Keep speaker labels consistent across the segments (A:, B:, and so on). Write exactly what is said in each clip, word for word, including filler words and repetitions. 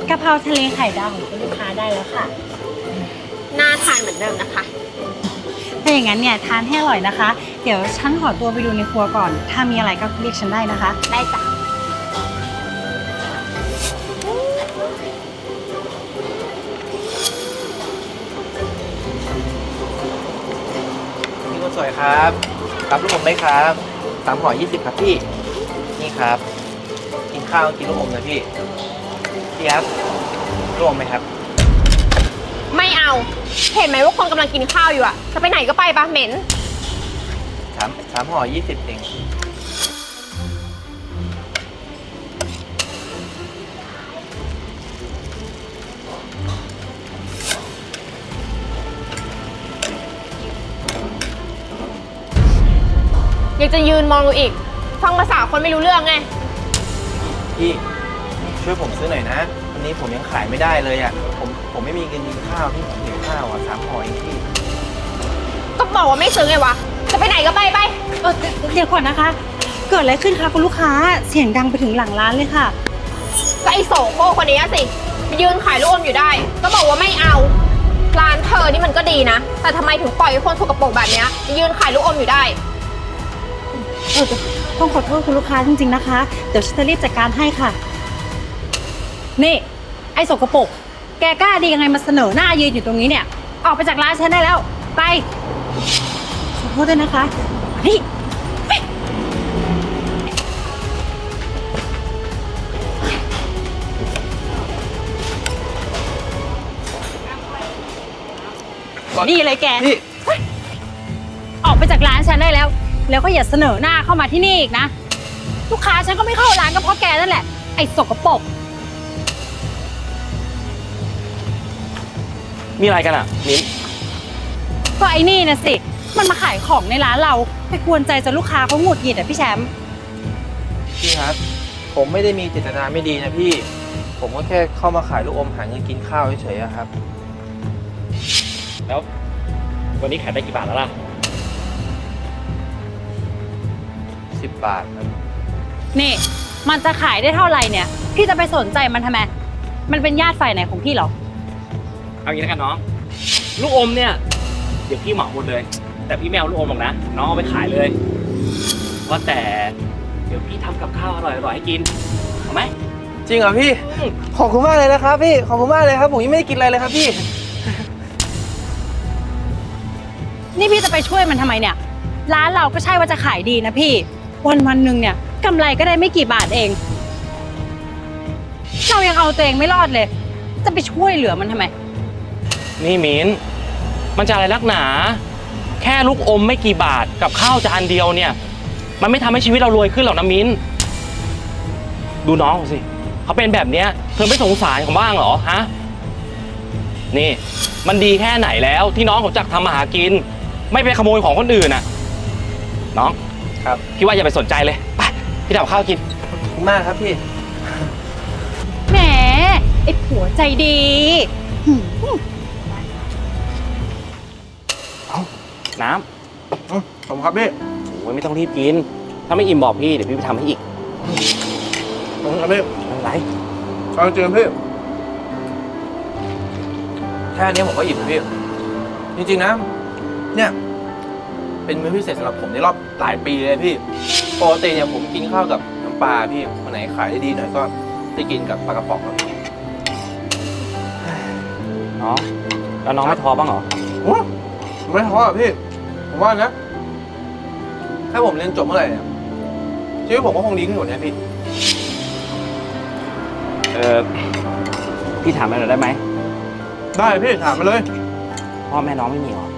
A: กะเพราทะเลไข่ดาวของคุณลูกค้าได้แล้วค่ะ
B: น่าทานเหมือนเดิมนะคะ
A: ถ้าอย่างนั้นเนี่ยทานให้อร่อยนะคะ เดี๋ยวฉันขอตัวไปดูในครัวก่อน ถ้ามีอะไรก็เรียกฉันได้นะคะ
B: ได้จ้ะ
C: พี่คนสวยครับรับลูกอมไหมครับสามห่อยี่สิบครับพี่นี่ครับกินข้าวกินลูกอมนะพี่พี่ครับลูกอมไหมครับ
B: ไม่เอา เห็นไหมว่าคนกำลังกินข้าวอยู่อะจะไปไหนก็ไปปะเหม็น
C: สามสามห่อยี่สิบเอง
B: ยังจะยืนมองอยู่อีก ฟังภาษาคนไม่รู้เรื่องไง
C: พี่ช่วยผมซื้อหน่อยนะวันนี้ผมยังขายไม่ได้เลยอ่ะผมผมไม่มีเงินกินข้าวพี่ผมหิวข้าวอ่ะสามห่อเองพี่
B: ก็บอกว่าไม่ซื้อไงวะ จะไปไหนก็ไปไป
A: เออเดี๋ยวก่อนนะคะ เกิดอะไรขึ้นคะคุณลูกค้า เสียงดังไปถึงหลังร้านเลยค่ะ
B: ก็ไอโสโครกคนนี้อะสิมายืนขายลูกอมอยู่ได้ ก็บอกว่าไม่เอา ร้านเธอนี่มันก็ดีนะ แต่ทำไมถึงปล่อยให้คนสกปรกแบบเนี้ยมายืนขายลูกอมอยู่ได้
A: เออต้องขอโทษคุณลูกค้าจริงๆนะคะ เดี๋ยวฉันจะรีบจัดการให้ค่ะ นี่ ไอ้สกปรกแกกล้าดียังไงมาเสนอหน้ายืนอยู่ตรงนี้เนี่ย ออกไปจากร้านฉันได้แล้ว ไป ขอโทษด้วยนะคะนี่ นี่เลยแก
C: พี่
A: ออกไปจากร้านฉันได้แล้ว แล้วก็อย่าเสนอหน้าเข้ามาที่นี่อีกนะ ลูกค้าฉันก็ไม่เข้าร้านก็เพราะแกนั่นแหละ ไอ้สกปรก
D: มีอะไรกันอ่ะมิ้น
A: ก็ไอ้นี่นะสิ มันมาขายของในร้านเราไปกวนใจจนลูกค้าเขาหงุดหงิดอ่ะพี่แชมป์
C: พี่ครับ ผมไม่ได้มีเจตนาไม่ดีนะพี่ ผมก็แค่เข้ามาขายลูกอมหาเงินกินข้าวเฉยๆอะครับ
D: แล้ววันนี้ขายได้กี่บาทแล้วล่ะ
C: สิบบาทครับ
A: นี่ มันจะขายได้เท่าไหร่เนี่ย พี่จะไปสนใจมันทำไม มันเป็นญาติฝ่ายไหนของพี่เหรอ
D: เอางี้แล้วกันน้อง ลูกอมเนี่ย เดี๋ยวพี่เหมาหมดเลย แต่พี่ไม่เอาลูกอมหรอกนะ น้องเอาไปขายเลยว่าแต่เดี๋ยวพี่ทำกับข้าวอร่อยๆให้กินเอาไหม
C: จริงเหรอพี่ ขอบคุณมากเลยนะครับพี่ ขอบคุณมากเลยครับ ผมยังไม่ได้กินอะไรเลยครับพี่
A: นี่พี่จะไปช่วยมันทำไมเนี่ย ร้านเราก็ใช่ว่าจะขายดีนะพี่ วันวันๆหนึ่งเนี่ยกำไรก็ได้ไม่กี่บาทเอง เรายังเอาตัวเองไม่รอดเลย จะไปช่วยเหลือมันทำไม
D: นี่มิ้น มันจะอะไรนักหนา แค่ลูกอมไม่กี่บาทกับข้าวจานเดียวเนี่ย มันไม่ทำให้ชีวิตเรารวยขึ้นหรอกนะมิ้น ดูน้องสิ เขาเป็นแบบเนี้ยเธอไม่สงสารเขาบ้างเหรอฮะ นี่ มันดีแค่ไหนแล้วที่น้องเขาจักทำมาหากิน ไม่ไปขโมยของคนอื่นน่ะ น้อง
C: ครับ
D: พี่ว่าอย่าไปสนใจเลย ไป พี่ทำข้าวกิน
C: ขอบคุณมากครับพี่
A: แหม ไอ้ผัวใจดีหืม
D: น้
C: อืมผมครับพี่
D: ำโอ้ยไม่ต้องรีบกิน ถ้าไม่อิ่มบอกพี่ เดี๋ยวพี่ไปทำให้อีก
C: ผมครับพี่
D: ไม่เป็นไร
C: เอาจริงๆพี่ แค่นี้ผมก็อิ่มแล้วพี่ จริงๆนะ เนี่ย เป็นมื้อพิเศษสำหรับผมในรอบหลายปีเลยพี่ปกติเนี่ยผมกินข้าวกับน้ำปลาพี่วันไหนขายได้ดีหน่อยก็ได้กินกับปลากระป๋องครับพี่
D: น้อง แล้วน้องไม่ท้อบ้างเหรอ
C: โอ้ไม่ท้ออ่ะพี่ ผมว่านะ ถ้าผมเรียนจบเมื่อไหร่เนี่ยชีวิตผมก็คงดีขึ้นกว่านี้พี่
D: เออพี่ถามอะไรหน่อยได้ไหม
C: ได้พี่ถามมาเลย
D: พ่อแม่น้องไม่มีเหรอ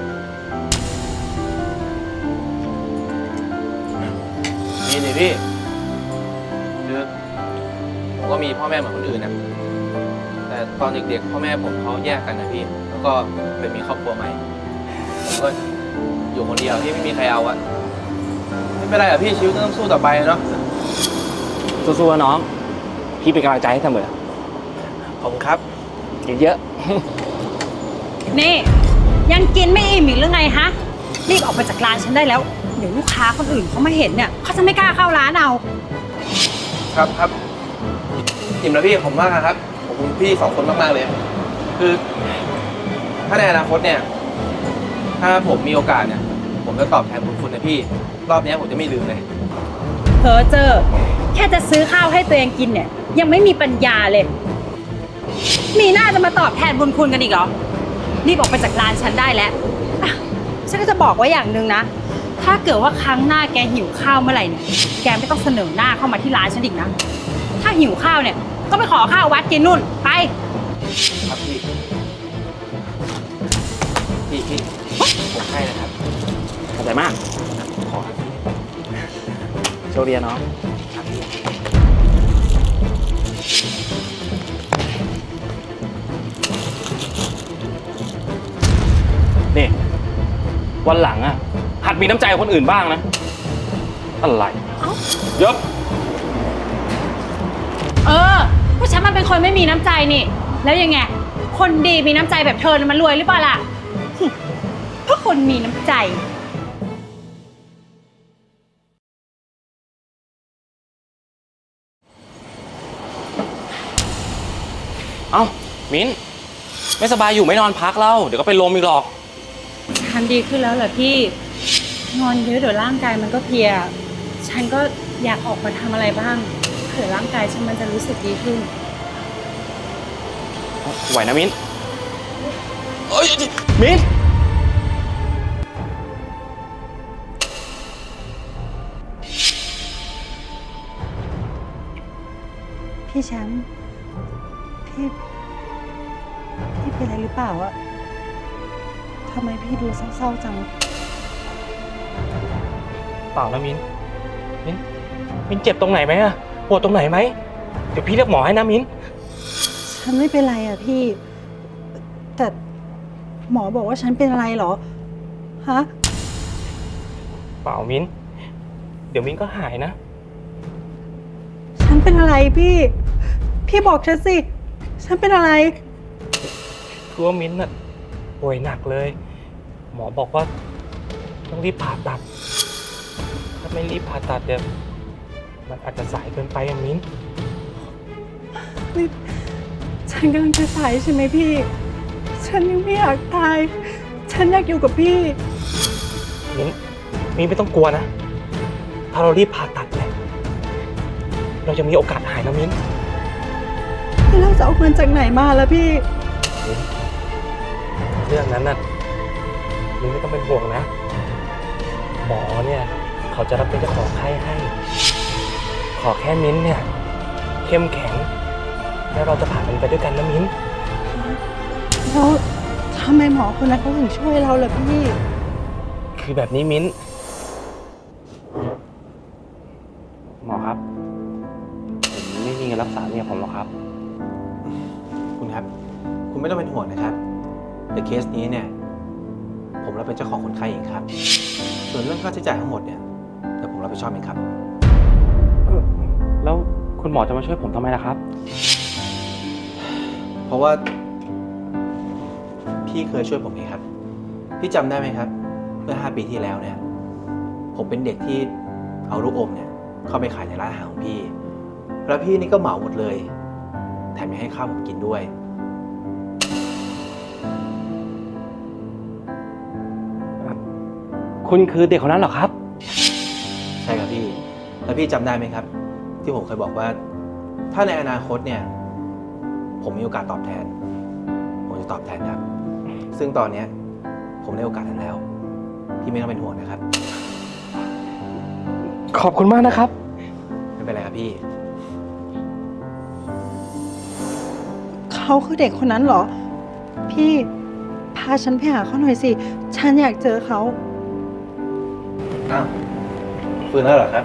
C: มีนี่พี่คือผมก็มีพ่อแม่เหมือนคนอื่นนะแต่ตอนเด็กๆพ่อแม่ผมเขาแยกกันนะพี่ แล้วก็ไปมีครอบครัวใหม่ผมก็อยู่คนเดียวที่ไม่มีใครเอาอะไม่เป็นไรอะพี่ชีวิตก็ต้องสู้ต่อไปเนาะ
D: สู้ๆนะน้อง พี่เป็นกำลังใจให้เสมอ
C: ขอบคุณครับ
D: กินเยอะ
A: นี่ ยังกินไม่อิ่มอีกหรือไงฮะ รีบออกไปจากร้านฉันได้แล้ว เดี๋ยวลูกค้าคนอื่นเขามาเห็นเนี่ยเขาจะไม่กล้าเข้าร้านเอา
C: ครับครับอิ่มแล้วพี่ผมมากครับ ผมคุณพี่สองคนมากๆเลย คือถ้าในอนาคตเนี่ย ถ้าผมมีโอกาสเนี่ย ผมจะตอบแทนบุญคุณนะพี่ รอบนี้ผมจะไม่ลืมเลย
A: เพอเจอ แค่จะซื้อข้าวให้ตัวเองกินเนี่ย ยังไม่มีปัญญาเลย มีหน้าจะมาตอบแทนบุญคุณกันอีกเหรอรีบออกไปจากร้านฉันได้แล้วอ่ะฉันก็จะบอกไว้อย่างหนึ่งนะ ถ้าเกิดว่าครั้งหน้าแกหิวข้าวเมื่อไหร่เนี่ย แกไม่ต้องเสนอหน้าเข้ามาที่ร้านฉันอีกนะ ถ้าหิวข้าวเนี่ย ก็ไปขอข้าววัดกินนู่น ไป
C: ครับพี่ พี่พี่ผมให้นะครับ
D: ขอบใจมาก
C: ขอครับพี่
D: โชคดีนะน้อง
C: ครับพี่
D: นี่ วันหลังอ่ะ หัดมีน้ำใจกับคนอื่นบ้างนะ อะไรเยอะ
A: เออพวกฉันมันเป็นคนไม่มีน้ำใจนี่ แล้วยังไง คนดีมีน้ำใจแบบเธอน่ะมันรวยหรือเปล่าล่ะหึเพราะคนมีน้ำใจ
D: เอ้า มิ้น ไม่สบายอยู่ไม่นอนพักแล้ว เดี๋ยวก็เป็นลมอีกหรอก
A: ฉันดีขึ้นแล้วเหรอพี่ นอนเยอะเดี๋ยวร่างกายมันก็เพลีย ฉันก็อยากออกมาทำอะไรบ้าง เผื่อร่างกายฉันมันจะรู้สึกดีขึ้น
D: ไหวนะมิ้นเอ้ย มิ้น
A: พี่แชมป์พี่ พี่เป็นอะไรหรือเปล่าอะทำไมพี่ดูเศร้าๆจัง
D: เปล่านะมิ้น มิ้น มิ้นเจ็บตรงไหนไหมอะปวดตรงไหนไหม เดี๋ยวพี่เรียกหมอให้นะมิ้น
A: ฉันไม่เป็นไรอะพี่ แต่หมอบอกว่าฉันเป็นอะไรเหรอ ฮะ
D: เปล่ามิ้น เดี๋ยวมิ้นก็หายนะ
A: ฉันเป็นอะไรพี่ พี่บอกฉันสิ ฉันเป็นอะไร
D: คือว่ามิ้นท์น่ะป่วยหนักเลย หมอบอกว่าต้องรีบผ่าตัด ถ้าไม่รีบผ่าตัดเดี๋ยวมันอาจจะสายเกินไปอะมิ้นท์
A: นี่ฉันกำลังจะตายใช่ไหมพี่ ฉันยังไม่อยากตาย ฉันอยากอยู่กับพี่
D: มิ้นท์มิ้นท์ไม่ต้องกลัวนะ ถ้าเรารีบผ่าตัดเนี่ยเราจะมีโอกาสหายนะมิ้นท์
A: แล้วเราจะเอาเงินจากไหนมาล่ะพี่
D: มิ้นท์เรื่องนั้นน่ะมิ้นท์ไม่ต้องเป็นห่วงนะ หมอเนี่ยเขาจะรับเป็นเจ้าของไข้ให้ ขอแค่มิ้นท์เนี่ยเข้มแข็ง แล้วเราจะผ่านมันไปด้วยกันนะมิ้นท์
A: แล้วทำไมหมอคนนั้นเขาถึงช่วยเราล่ะพี่
D: คือแบบนี้มิ้นท์หมอครับ ผมไม่มีเงินรักษาเนี่ยผมหรอกครับ
C: คุณครับ คุณไม่ต้องเป็นห่วงนะครับ แต่เคสนี้เนี่ย ผมรับเป็นเจ้าของคนไข้เองครับ ส่วนเรื่องค่าใช้จ่ายทั้งหมดเนี่ยเดี๋ยวผมรับผิดชอบเองครับ
D: แล้วคุณหมอจะมาช่วยผมทำไมล่ะครับ
C: เพราะว่า พี่เคยช่วยผมเองครับ พี่จำได้ไหมครับ เมื่อห้าปีที่แล้วเนี่ย ผมเป็นเด็กที่เอาลูกอมเนี่ยเข้าไปขายในร้านอาหารของพี่ แล้วพี่นี่ก็เหมาหมดเลย แถมยังให้ข้าวผมกินด้วย
D: คุณคือเด็กคนนั้นเหรอครับ
C: ใช่ครับพี่ แล้วพี่จำได้ไหมครับ ที่ผมเคยบอกว่า ถ้าในอนาคตเนี่ย ผมมีโอกาสตอบแทน ผมจะตอบแทนครับ ซึ่งตอนเนี้ยผมได้โอกาสนั้นแล้ว พี่ไม่ต้องเป็นห่วงนะครับ
D: ขอบคุณมากนะครับ
C: ไม่เป็นไรครับพี่
A: เขาคือเด็กคนนั้นเหรอ พี่พาฉันไปหาเขาหน่อยสิ ฉันอยากเจอเขา
C: อ้าวฟื้นแล้วเหรอครับ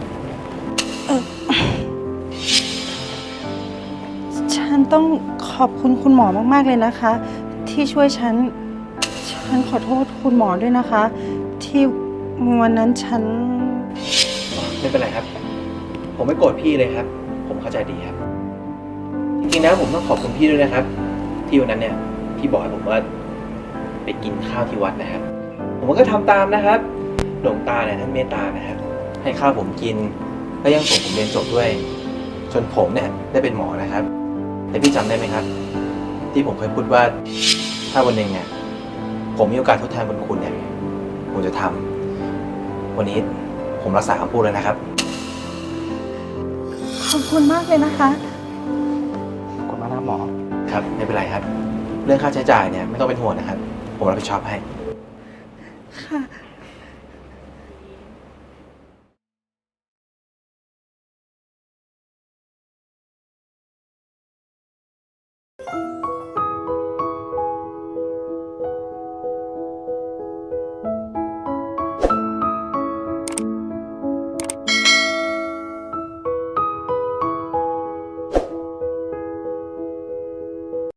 A: ฉันต้องขอบคุณคุณหมอมากๆเลยนะคะ ที่ช่วยฉัน ฉันขอโทษคุณหมอด้วยนะคะ ที่วันนั้นฉัน
C: ไม่เป็นไรครับ ผมไม่โกรธพี่เลยครับ ผมเข้าใจดีครับ จริงๆนะผมต้องขอบคุณพี่ด้วยนะครับ ที่วันนั้นเนี่ยพี่บอกให้ผมว่าไปกินข้าวที่วัดนะครับ ผมก็ทำตามนะครับหลวงตาเนี่ยท่านเมตตานะครับ ให้ข้าวผมกินแล้วยังส่งผมเรียนจบด้วย จนผมเนี่ยได้เป็นหมอนะครับแต่พี่จำได้ไหมครับ ที่ผมเคยพูดว่าถ้าวันหนึ่งเนี่ยผมมีโอกาสทดแทนบุญคุณเนี่ยผมจะทำวันนี้ผมรักษาคำพูดเลยนะครับ
A: ขอบคุณมากเลยนะคะ
D: ขอบคุณมากนะหมอ
C: ครับไม่เป็นไรครับ เรื่องค่าใช้จ่ายเนี่ยไม่ต้องเป็นห่วงนะครับ ผมรับผิดชอบให้
A: ค่ะ